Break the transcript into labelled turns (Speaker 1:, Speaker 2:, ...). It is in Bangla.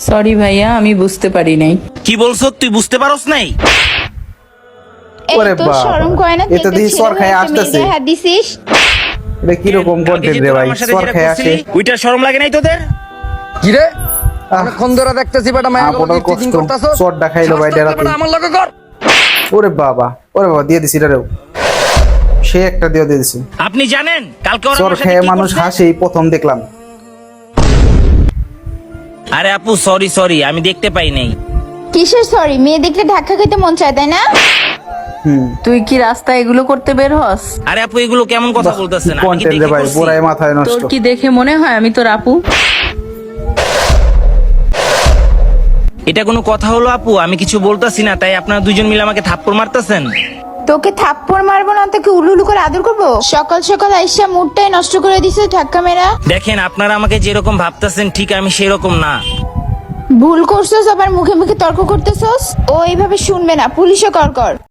Speaker 1: সরি ভাইয়া, আমি বুঝতে পারি নাই।
Speaker 2: কি বলছো তুই বুঝতে পারোস নাই?
Speaker 3: ওরে
Speaker 4: এই তোর
Speaker 3: বাবা,
Speaker 4: শরম করে না?
Speaker 3: এ তো দিহি সর খায় আসতেছে।
Speaker 4: হাত দিছিস।
Speaker 3: এটা কি রকম
Speaker 2: কালকে
Speaker 3: কন্টেন্ট
Speaker 2: যে
Speaker 3: রে
Speaker 2: তোরা
Speaker 3: ভাই,
Speaker 2: আমার সাথে
Speaker 3: সর
Speaker 2: যেটা
Speaker 3: খায়
Speaker 2: করছিলি,
Speaker 3: আসে।
Speaker 2: ওইটার শরম লাগে নাই তোদের?
Speaker 5: কিরে অনেকক্ষণ ধরে দেখতেছি বেটা মায়া
Speaker 3: আপনার
Speaker 5: টিচিং
Speaker 3: কষ্ট,
Speaker 5: করতাছ।
Speaker 3: চটটা খাইলো ভাই ডেরাতে।
Speaker 5: আমার লগে কর।
Speaker 3: ওরে বাবা, দিয়ে দিছি এটারেও। সে একটা দিয়ে দিছি।
Speaker 2: আপনি জানেন কালকে ওরা
Speaker 3: চর
Speaker 2: আমার সাথে
Speaker 3: খেয়ে
Speaker 2: কি
Speaker 3: মানুষ
Speaker 2: করছে?
Speaker 3: হাসে, এই প্রথম দেখলাম।
Speaker 2: আরে আপু সরি আমি দেখতে পাই নাই।
Speaker 4: কিসের সরি? মেয়ে দেখলে ধাক্কা খেতে মন চায় তাই না?
Speaker 1: তুই কি রাস্তায় এগুলো করতে বের হস?
Speaker 2: আরে আপু এগুলো কেমন কথা বলতেছেন? আমি কি
Speaker 3: কন্টেন্ট রে
Speaker 2: দেখে
Speaker 3: ভাই,
Speaker 2: করছি?
Speaker 3: পুরাই মাথায় নষ্ট।
Speaker 1: তোর কি দেখে মনে হয় আমি তোর আপু?
Speaker 2: এটা কোনো কথা হলো আপু? আমি কিছু বলতাছি না, তাই আপনারা দুইজন মিলে আমাকে থাপ্পড় মারতেছেন।
Speaker 4: তোকে থাপ্পড় মারবো না, তোকে উলুলু করে আদর করবো? সকাল সকাল আইসা মুডটাই নষ্ট করে দিছে ধাক্কা মেরা।
Speaker 2: দেখেন আপনারা আমাকে যেরকম ভাবতেছেন ঠিক আমি সেরকম না।
Speaker 4: ভুল করছস, আবার মুখে মুখে তর্ক করতেছস। ও এইভাবে শুনবে না, পুলিশে কর কর।